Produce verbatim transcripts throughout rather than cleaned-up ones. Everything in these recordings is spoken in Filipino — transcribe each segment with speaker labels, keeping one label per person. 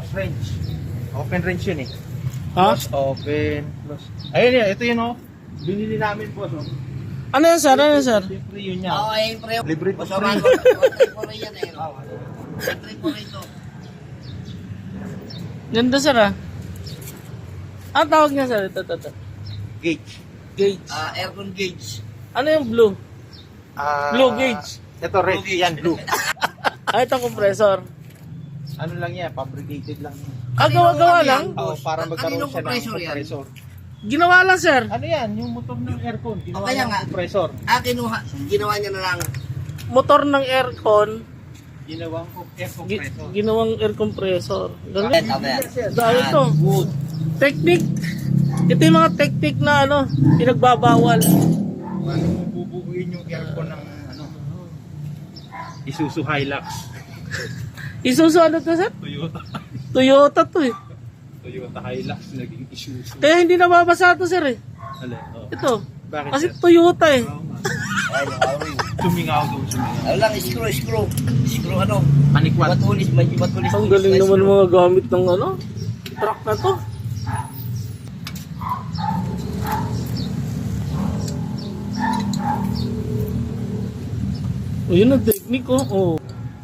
Speaker 1: close range. Open range yun eh.
Speaker 2: Ha?
Speaker 1: Close, open, close. Ayun yun, ito yun oh. Binili namin po, so.
Speaker 2: Ano yan, sir? Ano yan, sir?
Speaker 1: Siyempre yun niya.
Speaker 3: Oo, ayun pre.
Speaker 1: Libre to
Speaker 3: Masama
Speaker 1: free.
Speaker 3: ko. One po rin yan eh. Libre po rin ito.
Speaker 2: Ganda, sir, ah. Ang tawag niya, sir? Ito, ito, ito.
Speaker 1: Gauge.
Speaker 2: Gauge.
Speaker 3: Ah, aircon gauge.
Speaker 2: Ano yung blue?
Speaker 1: Ah,
Speaker 2: Blue gauge.
Speaker 1: Ito red,
Speaker 3: Blue gauge.
Speaker 1: yan blue.
Speaker 2: Ah, ito compressor.
Speaker 1: Ano lang yan, fabricated lang.
Speaker 2: Ah, gawa-gawa lang?
Speaker 1: Oo, para magkaroon
Speaker 3: Kaninong
Speaker 1: siya ng
Speaker 3: compressor yan?
Speaker 1: compressor.
Speaker 2: Ginawa lang, sir.
Speaker 1: Ano yan, yung motor ng aircon, ginawa
Speaker 3: O, kaya
Speaker 1: ng
Speaker 3: nga.
Speaker 1: compressor.
Speaker 3: Ah, kinuha. Ginawa niya na lang.
Speaker 2: Motor ng aircon,
Speaker 1: Ginawang air
Speaker 2: gi-
Speaker 1: compressor.
Speaker 2: ginawang air compressor.
Speaker 3: Bakit?
Speaker 2: Galing.
Speaker 3: Tama yan.
Speaker 2: Dahil ito.
Speaker 1: Wood.
Speaker 2: Technique. Ito yung mga technique na ano, pinagbabawal.
Speaker 1: Paano mo bubuuin yung aircon ng ano? Isuzu Hilux.
Speaker 2: Isuzu ano to, sir?
Speaker 1: Toyota.
Speaker 2: Toyota to eh.
Speaker 1: Toyota Hilux naging Isuzu.
Speaker 2: Kaya hindi nababasa to, sir eh.
Speaker 1: Alin? Oh.
Speaker 2: Ito.
Speaker 1: Bakit?
Speaker 2: Kasi
Speaker 1: sir?
Speaker 2: Toyota eh.
Speaker 1: Oo nga.
Speaker 3: Ay, nakawin.
Speaker 1: Sumingaw daw, sumingaw.
Speaker 3: Ano lang, screw, screw. Screw ano?
Speaker 1: Panikwat.
Speaker 3: Matulis, may matulis.
Speaker 2: Ang galing naman mga gamit ng ano, truck na to. O yun ang technique oh. Oh.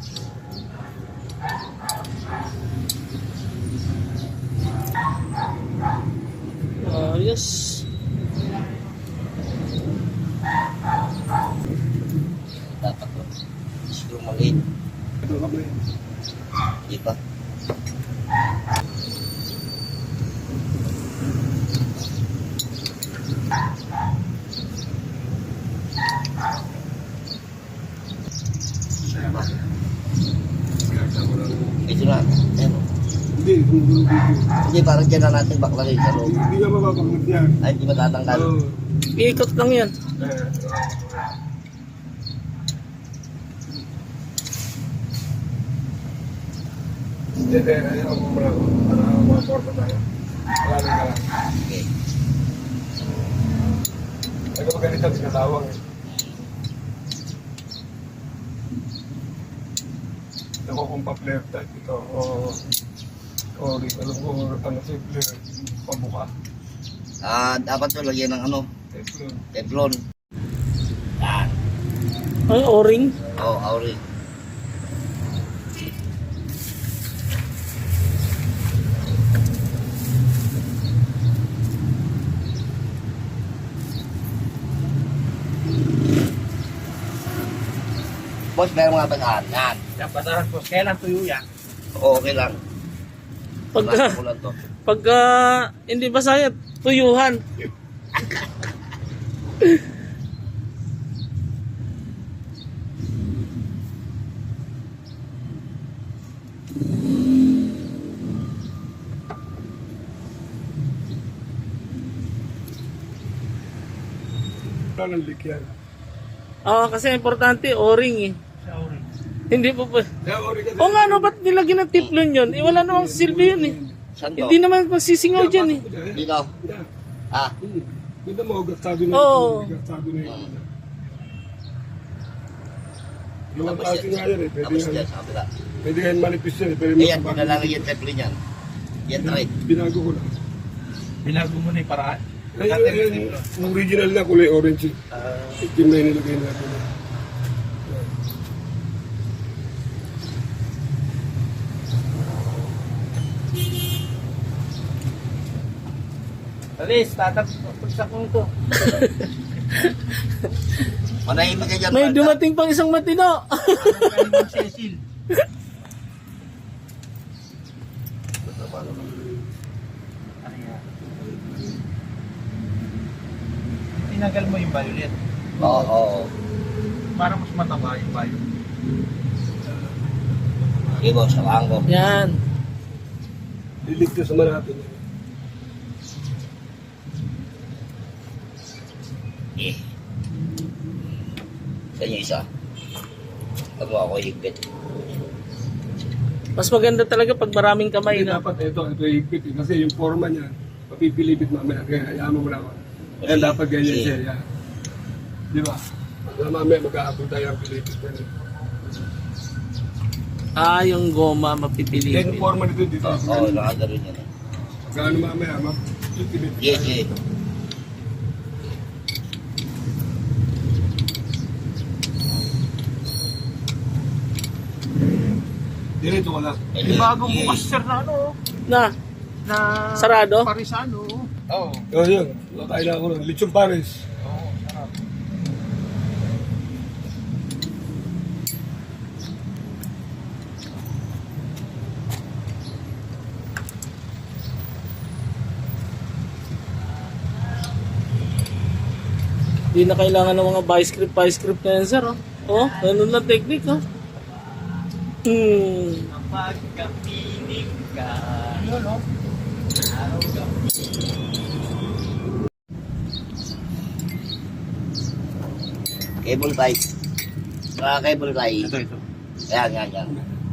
Speaker 2: Ayos.
Speaker 3: Dapat ko. Screw maliit. Hindi pa. Ito na. Ayan o.
Speaker 4: Hindi, gumugulo dito.
Speaker 3: Hindi, parang dyan na natin baklarin sa loob.
Speaker 4: Hindi ka mapapagod yan.
Speaker 3: Ay, hindi matatanggal.
Speaker 4: Oo.
Speaker 2: Iikot lang yan.
Speaker 4: Eh, Hindi, eh, ayaw mo muna ako. Para maporta tayo. Wala na ka lang.
Speaker 3: Okay.
Speaker 4: Ay, kapag ganito, sinatawag eh. Ako kung pa-flare type ito. O, o, alam ko, ano si flare, pabuka.
Speaker 3: Ah, dapat to lagyan ng ano,
Speaker 4: Teflon.
Speaker 3: teflon. Yan.
Speaker 2: Ay, o-ring.
Speaker 3: Oh, auri. Boss, meron mga basahan. Yan.
Speaker 1: Yan, basahan ko. Kailan tuyo yan?
Speaker 3: Oo, okay lang.
Speaker 2: Pagka,
Speaker 3: Basahan ko lang to.
Speaker 2: pagka hindi basaya, tuyuhan.
Speaker 4: Wala ng leak yan.
Speaker 2: Ah, kasi importante o-ring eh.
Speaker 1: Sa orange.
Speaker 2: Hindi po pa.
Speaker 4: Kaya ori ka
Speaker 2: O nga, no, ba't nilagyan ng teflon yun? Eh, wala namang silbi yun eh.
Speaker 3: Saan to?
Speaker 2: Hindi naman magsisingaw dyan eh.
Speaker 3: Dito.
Speaker 4: Yan.
Speaker 3: Ah,
Speaker 4: Hmm. Ganda mo, gatsado na
Speaker 2: Oo.
Speaker 4: yun. Gatsado na yun. Yung
Speaker 3: tapos
Speaker 4: klase nga yan eh. Pwede
Speaker 3: Tapos
Speaker 4: yan.
Speaker 3: dyan, sa kabila.
Speaker 4: Pwede yan manipis yan eh. Pwede
Speaker 3: Ayan,
Speaker 4: makapag-
Speaker 3: pinalalagyan yung teflon yan. Yan, right.
Speaker 4: Binago ko lang.
Speaker 1: Binago mo na yung paraan.
Speaker 4: Ay, ay, ay, yung original na kulay orange. eh.
Speaker 1: Ah,
Speaker 4: Itim na yung nilagay natin.
Speaker 1: Alis, tatapos ko ito.
Speaker 3: Manahimik ka dyan.
Speaker 2: May
Speaker 3: Brad.
Speaker 2: dumating pang isang matino.
Speaker 1: Ano kayo Cecil? Ano yan? Tinagal mo yung violet.
Speaker 3: Oo, oo.
Speaker 1: Para mas mataba yung violet.
Speaker 3: Sige, boss, samahan ko.
Speaker 2: Yan.
Speaker 4: Liligtas naman natin.
Speaker 3: Eh. Sa inyo isa. Pag mo ako higpit.
Speaker 2: Mas maganda talaga pag maraming kamay
Speaker 4: Kasi
Speaker 2: na.
Speaker 4: dapat ito, ito higpit eh. Kasi yung forma niya, papipilipit mamaya. Kaya hayaan mo muna ako. Kaya
Speaker 3: Sige.
Speaker 4: dapat ganyan
Speaker 3: Sige.
Speaker 4: siya. Yan. Di ba? Kaya mamaya mag-aabot tayo ang pilipit.
Speaker 2: Ah, yung goma
Speaker 4: Then
Speaker 2: mapipilitin.
Speaker 4: forma dito dito.
Speaker 3: Oo, oh, nakagano'n yan. eh.
Speaker 4: Gaano mamaya, mapipilip.
Speaker 3: Yes, yes.
Speaker 4: Direto ka lang.
Speaker 1: May bagong bukas sir na ano,
Speaker 2: Na,
Speaker 1: na
Speaker 2: sarado?
Speaker 1: Parisano. Oo.
Speaker 4: Oh, yun. Nakain na ako nun. Lechon Paris.
Speaker 1: Oo, sarap.
Speaker 2: Hindi na kailangan ng mga by script, by script na yan, sir. Oh, oh ganun lang technique, oh. Hmm.
Speaker 1: Pagkapiling ka. Yun, no?
Speaker 3: Cable tie. Ah, cable tie.
Speaker 1: Ito, ito.
Speaker 3: Ayan, yan, yan.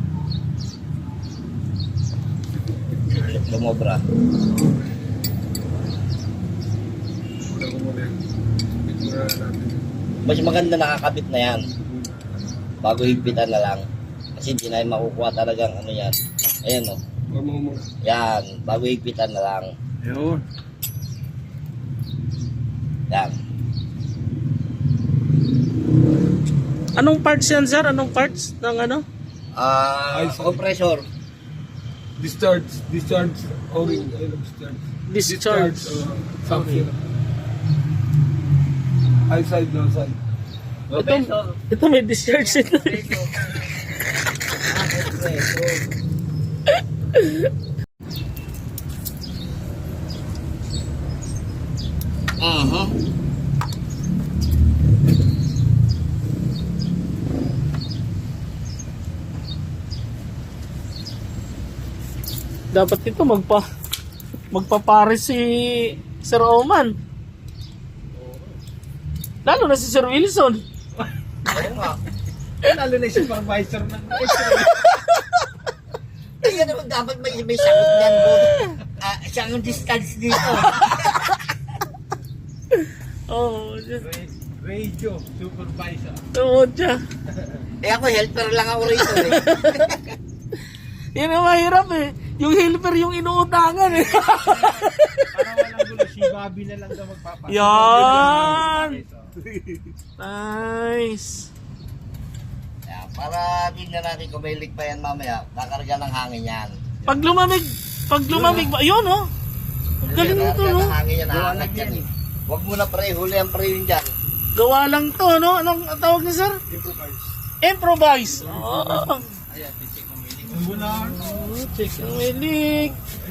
Speaker 3: Lumobra.
Speaker 4: Wala ko muna yan. Ito na natin.
Speaker 3: Mas maganda nakakabit na yan. Bago higpitan na lang. Kasi hindi na yung makukuha talagang ano yan. Ayan o.
Speaker 4: Huwag mo muna.
Speaker 3: Yan. Bago higpitan na lang.
Speaker 1: Yun.
Speaker 3: Yan.
Speaker 2: Anong parts yan, sir? Anong parts ng ano?
Speaker 3: Ah,
Speaker 4: Ay, sorry.
Speaker 3: compressor.
Speaker 4: Discharge. Discharge. O-ring. Ayun, discharge.
Speaker 2: Discharge.
Speaker 4: uh, something. High side, low side.
Speaker 2: Ito, ito may discharge ito.
Speaker 3: Uh-huh.
Speaker 2: Dapat ito magpa magpapares si Sir Oman. Lalo na si Sir Wilson.
Speaker 3: Oo nga.
Speaker 1: Lalo na yung supervisor ng
Speaker 3: Kaya naman dapat may, may sakot niyan po. Ah, siyang distance dito.
Speaker 2: Oh,
Speaker 1: radio supervisor.
Speaker 2: tawad siya.
Speaker 3: Eh ako helper lang ako rito eh.
Speaker 2: Yan ang mahirap eh. Yung helper yung inuutangan eh.
Speaker 1: Para walang gulo, si Bobby na lang daw magpapasok.
Speaker 2: Yan! Nice.
Speaker 3: Kaya, para tingnan natin kung may leak pa yan mamaya, kakarga ng hangin yan.
Speaker 2: Pag lumamig, pag lumamig ba? Yun oh. Ang galing nito
Speaker 3: Kakarga
Speaker 2: no.
Speaker 3: ng hangin yan, hahangat yan eh. Huwag mo na pre, huli ang pre yun dyan.
Speaker 2: Gawa lang to no. Anong ang tawag niya sir?
Speaker 4: Improvise.
Speaker 2: Improvise. Oh.
Speaker 1: Ayan, titik ng miling. Wala,
Speaker 2: Oh, check ang may leak.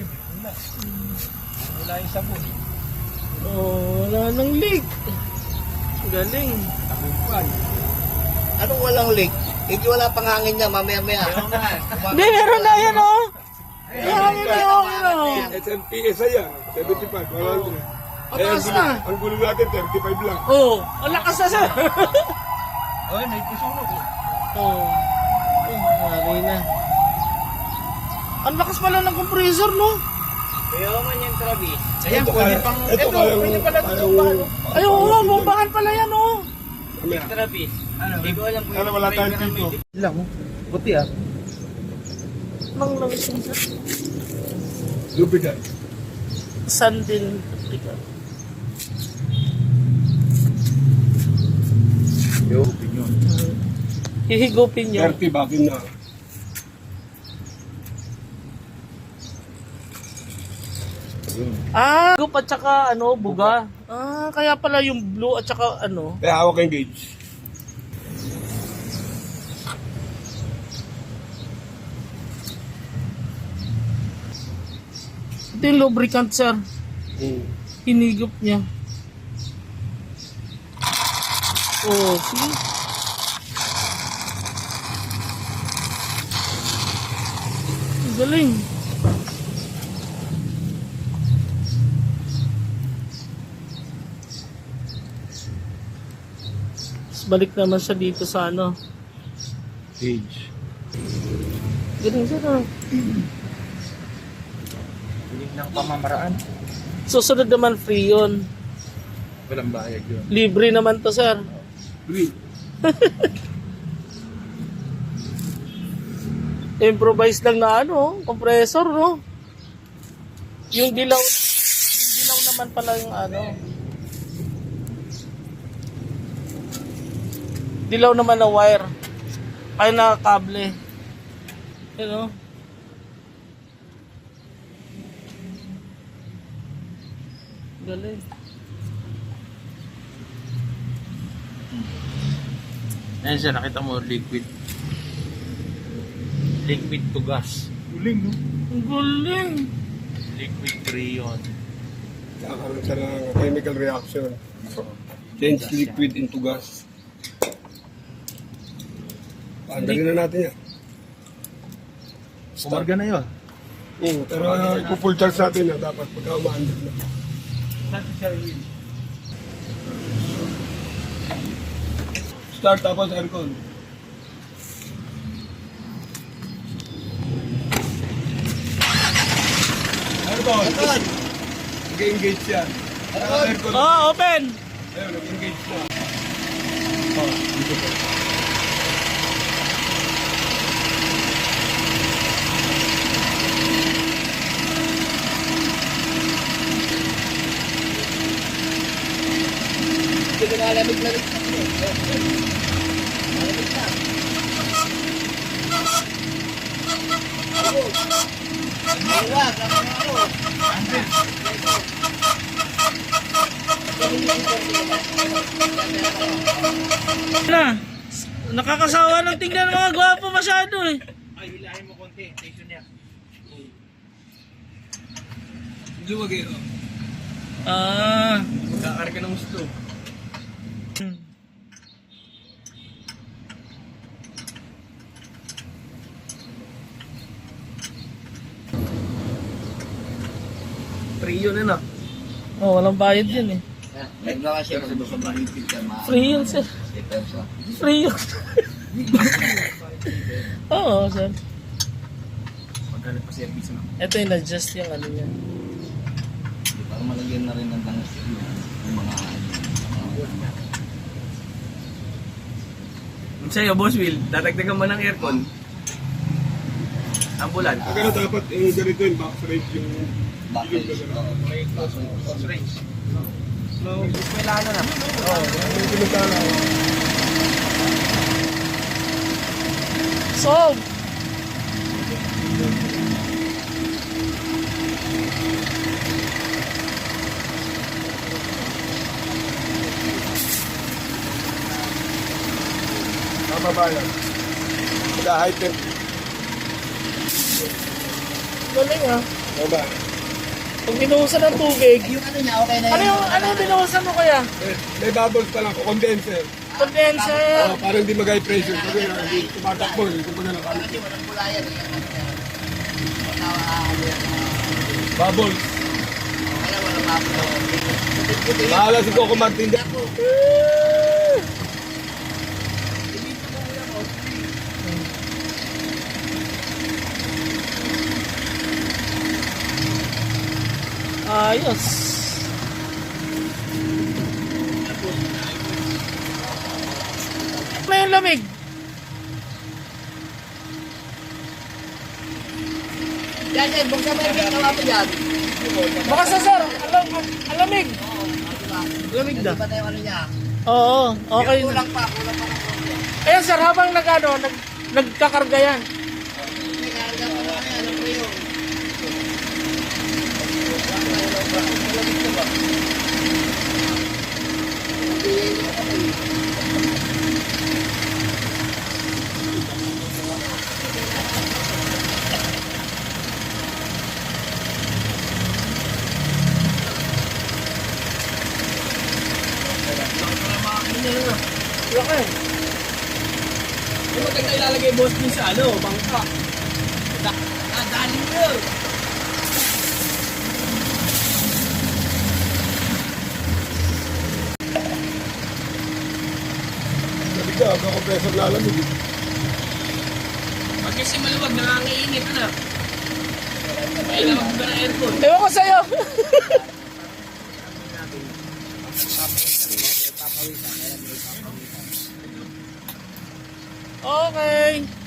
Speaker 1: wala yung sabon.
Speaker 2: Oh, wala nang leak. Galing.
Speaker 1: Tagumpay.
Speaker 3: Anong walang leak? Hindi wala pang hangin niya, mamaya-maya.
Speaker 2: Hindi, meron na yan oh. Yan, yan, yan, oh.
Speaker 4: S M P S ay yan. seventy-five. Wala rin.
Speaker 2: Mataas na.
Speaker 4: Ang gulo natin, thirty-five lang.
Speaker 2: Oh, ang lakas na sir.
Speaker 1: Ay, may pusunod.
Speaker 2: Oh. Oh, mali na. Ang lakas pala ng compressor no.
Speaker 3: Kaya man yan, Travis.
Speaker 1: Ayan,
Speaker 4: Ito,
Speaker 1: pwede
Speaker 4: kaya-
Speaker 1: pang...
Speaker 4: ito,
Speaker 1: Ito,
Speaker 4: kaya-
Speaker 1: pwede pala ito
Speaker 4: kaya-
Speaker 1: ba, ano?
Speaker 2: Ay, oo, bombahan pala yan oh.
Speaker 4: Mamaya.
Speaker 3: Travis.
Speaker 1: Ano?
Speaker 3: Hindi ko alam kung
Speaker 4: Ano, wala tayong dito.
Speaker 1: Lang, oh. Puti ah.
Speaker 2: Nang langis yung sir.
Speaker 4: Lubricant.
Speaker 2: Sandin.
Speaker 1: Yung opinion.
Speaker 2: Hihigupin niyo.
Speaker 4: thirty bakin na.
Speaker 2: Ah, higup at saka ano, buga. Ah, kaya pala yung blue at saka ano.
Speaker 4: Kaya hawak yung gauge.
Speaker 2: Ito yung lubricant sir.
Speaker 4: Hmm.
Speaker 2: Hinigup niya. Oh, see? Ang galing. Tapos balik naman siya dito sa ano.
Speaker 1: Age.
Speaker 2: Galing siya na.
Speaker 1: Hiling ng pamamaraan.
Speaker 2: Susunod naman free yun.
Speaker 1: Walang bayag yun.
Speaker 2: Libre naman to sir.
Speaker 4: Green.
Speaker 2: Improvise lang na ano, compressor, no? Yung dilaw, yung dilaw naman pala yung ano. Dilaw naman na wire. Ay na kable. You know? Galing.
Speaker 1: Ayan siya, nakita mo, liquid. Liquid to gas. Uling, no?
Speaker 2: Ang galing.
Speaker 1: Liquid rayon.
Speaker 4: Kakaroon siya ng chemical reaction. Change liquid into gas. Paandalin na natin yan.
Speaker 1: Kumarga na yun.
Speaker 4: Oo, pero uh, ipo-full charge natin na dapat pagka umaandar na. Start tapos aircon. Aircon! Nag-engage yan. Aircon.
Speaker 2: Oh, open.
Speaker 4: Ayun, nag-engage siya.
Speaker 3: Hindi ko nalamig-lamig na ito. Malamig na. Ayun. Ayun, kami ako.
Speaker 2: Na. Nakakasawa ng tingnan ng mga gwapo masyado eh.
Speaker 1: Ay, hilahin mo konti. Tension niya.
Speaker 4: Luwag eh.
Speaker 2: Ah.
Speaker 4: Magkakarga ng gusto. Trio na na.
Speaker 2: Oh, walang bayad yun eh.
Speaker 3: Naglawa siya kasi gusto mahigpit ka ma-
Speaker 2: Free yun, sir.
Speaker 3: Ito siya.
Speaker 2: Free yun. Oo, sir.
Speaker 1: Magkano pa service mo?
Speaker 2: Ito yung adjust yung ano niya.
Speaker 3: Para malagyan na rin ng tangos yung mga
Speaker 5: Sa'yo, Boss Will, dadagdagan mo ng aircon. Ambulan.
Speaker 4: Ang gano'n dapat yung ganito yung box rate yung
Speaker 3: bakit.
Speaker 1: Close range.
Speaker 5: Kailangan na.
Speaker 4: yung pinagkala.
Speaker 2: Solve!
Speaker 4: Tama ba yan? Sa high temp.
Speaker 2: Galing ah.
Speaker 4: Tama ba?
Speaker 2: Pag binuhusan ng tubig,
Speaker 3: Yung ano niya, okay na
Speaker 2: ano
Speaker 3: yun.
Speaker 2: yung, ano yung binuhusan mo kaya?
Speaker 4: Eh, may bubbles pa lang, condenser.
Speaker 2: Condenser.
Speaker 4: Oh, para hindi mag-high pressure. Kasi uh, hindi tumatakbo. Hindi ko na lang.
Speaker 3: Kasi walang bulayan. eh. Wala, ano yan.
Speaker 4: Bubbles.
Speaker 3: Wala, wala mapulaw. Puti-puti yan.
Speaker 4: Bahala si Coco Martin dyan.
Speaker 2: Ayos. Ano yung lamig?
Speaker 3: Yan, yan. Buksan mo yung ginawa mo dyan.
Speaker 2: Baka sa sir, alam, alamig. Lamig na.
Speaker 3: Hindi ba na yung ano niya?
Speaker 2: Oo, okay na.
Speaker 3: Kulang pa, kulang pa ng konti.
Speaker 2: Ayan sir, habang nag, ano, nag, nagkakarga yan.
Speaker 3: May karga pa na yan. Ano po yun?
Speaker 2: Laki.
Speaker 5: Yung maganda ilalagay, Boss, din sa ano, bangka.
Speaker 3: Ah, dali mo.
Speaker 4: Sabi ka, ako compressor lalamig.
Speaker 5: Pag kasi maluwag, nangangiinit, ano? Kailangan mo ba ng aircon?
Speaker 2: Ewan ko sa'yo. Okay.